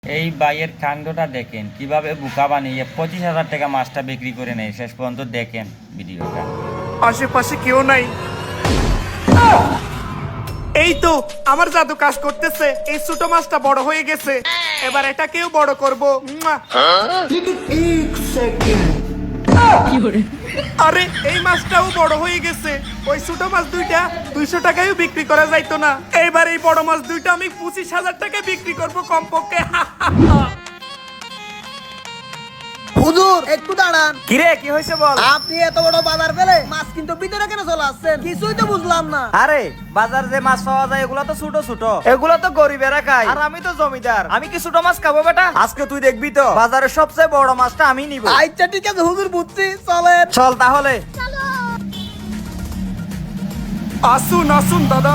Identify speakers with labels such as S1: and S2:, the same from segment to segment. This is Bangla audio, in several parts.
S1: এই বাইয়ের কাণ্ডটা দেখেন কিভাবে বোকা বানিয়ে 25,000 টাকা মাছটা বিক্রি করে নেয়। শেষ পর্যন্ত দেখেন ভিডিওটা।
S2: আশেপাশে কেউ নাই। এই তো আমার জাদু কাজ করতেছে। এই ছোট মাছটা বড় হয়ে গেছে, এবার এটাকেও বড় করব। আরে এই মাছটাও বড় হয়ে গেছে। ওই ছোট মাছ দুইটা 200 টাকায়ও বিক্রি করা যাইতো না, এইবার এই বড় মাছ দুইটা আমি 25,000 টাকায় বিক্রি করব কমপক্ষে।
S3: হুজুর একটু দাঁড়ান।
S4: কিরে কি হয়েছে বল?
S3: আপনি এত বড় বাজার ফেলে মাছ কিন্তু ভিতরে কেন চলে আসছেন? কিছুই তো বুঝলাম না।
S4: আরে বাজার যে মাছ পাওয়া যায় এগুলো তো ছোট ছোট, এগুলো তো গরিবেরা খায়, আর আমি তো জমিদার, আমি কি ছোট মাছ খাবো বেটা? আজকে তুই দেখবি তো বাজারের সবচেয়ে বড় মাছটা আমি নিব।
S3: আচ্ছা ঠিক আছে হুজুর, বুঝছি, চলেন।
S4: চল তাহলে।
S2: আসুন আসুন দাদা।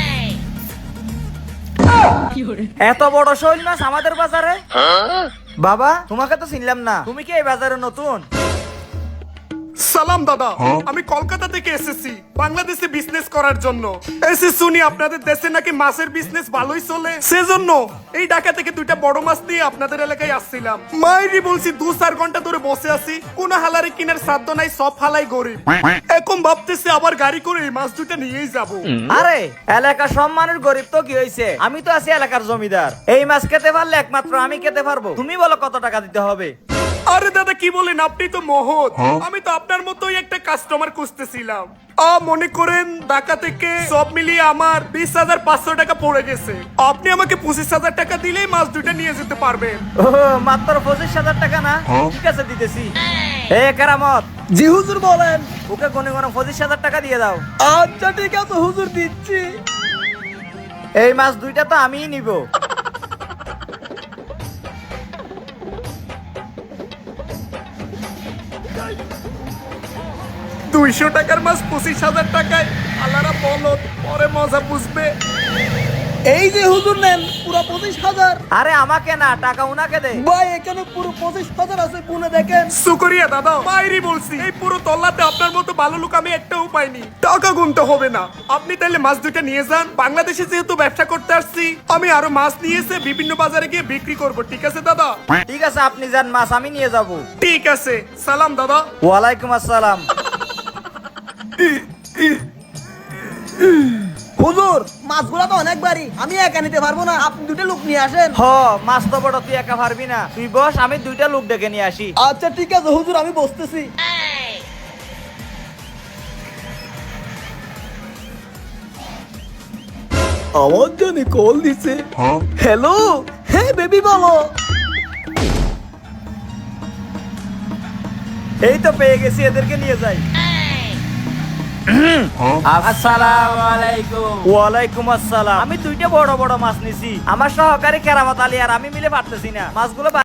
S4: এত বড় শৈল মাছ আমাদের বাজারে? বাবা তোমাকে তো চিনলাম না, তুমি কি এই বাজারে নতুন?
S2: সালাম দাদা, আমি কলকাতা থেকে এসেছি বাংলাদেশে বিজনেস করার জন্য। এসে শুনি আপনাদের দেশে নাকি মাছের বিজনেস ভালোই চলে, সেজন্য এই ঢাকা থেকে দুইটা বড় মাছ দিয়ে আপনাদের এলাকায় আসছিলাম। মাইরি বলছি 2-4 ঘন্টা ধরে বসে আছি, কোন হালারে কিনার সাধ্য নাই, সব হালাই গরিব। এখন ভাবতেছি আবার গাড়ি করে এই মাছ দুটা নিয়েই যাব।
S4: আরে এলাকার সব মানুষ গরিব তো কি হয়েছে, আমি তো আছি এলাকার জমিদার। এই মাছ খেতে পারলে একমাত্র আমি খেতে পারবো। তুমি বলো কত টাকা দিতে হবে?
S2: আরে দাদা কি বলেন, আপনি তো মহৎ। আমি তো আপনার মতোই একটা কাস্টমার খুঁজতেছিলাম। মনে করেন ঢাকা থেকে সব মিলিয়ে আমার 20,500 টাকা পড়ে গেছে। আপনি আমাকে 25,000 টাকা দিলেই মাছ দুইটা নিয়ে যেতে পারবেন।
S4: ও মাত্র 25,000 টাকা না? ঠিক আছে দিতেছি। এ কেরামত,
S3: জি হুজুর বলেন।
S4: ওকে গনে গনে 25,000 টাকা দিয়ে দাও।
S3: আচ্ছা ঠিক আছে হুজুর, দিচ্ছি।
S4: এই মাছ দুইটা তো আমিই নিব।
S2: 200 টাকার মাছ 25,000 টাকায়, আল্লাহরা বলত, পরে মজা বুঝবে।
S3: এই যে হুজুর নেন পুরো 25,000।
S4: আরে আমাকে না, টাকা উনাকে দে।
S3: ভাই এখানে পুরো 25,000 আছে, গুনে দেখেন।
S2: শুকরিয়া দাদা, মাইরি বলছি এই পুরো তল্লাতে আপনার মতো ভালো লোক আমি একটাও পাইনি। টাকা গুনতে হবে না, আপনি তাইলে মাছ দুইটা নিয়ে যান। বাংলাদেশে যেহেতু ব্যবসা করতে আসছি, আমি আরো মাছ নিয়ে এসে বিভিন্ন বাজারে গিয়ে বিক্রি করব। ঠিক আছে দাদা?
S4: ঠিক আছে আপনি যান, মাছ আমি নিয়ে যাব।
S2: ঠিক আছে, সালাম দাদা।
S4: ওয়ালাইকুম আসসালাম।
S3: হুজুর মাছগুলো তো অনেক বাড়ি, আমি একা নিতে পারবো না, আপনি দুটো লোক নিয়ে আসেন।
S4: হ মাছ তো বড়, তুই একা পারবি না। তুই বস, আমি দুইটা লোক ডেকে নিয়ে আসি।
S3: আচ্ছা ঠিক আছে হুজুর, আমি বসতেছি। আমার জন্য কল দিছে। হ্যালো, হ্যাঁ বেবি বলো।
S4: এই তো পেয়ে গেছি, এদেরকে নিয়ে যাই। আসসালামু আলাইকুম। ওয়ালাইকুম আসসালাম। আমি দুইটা বড় বড় মাছ নিছি, আমার সহকারী কেরামত আলী আর আমি মিলে পারতেছি না মাছগুলো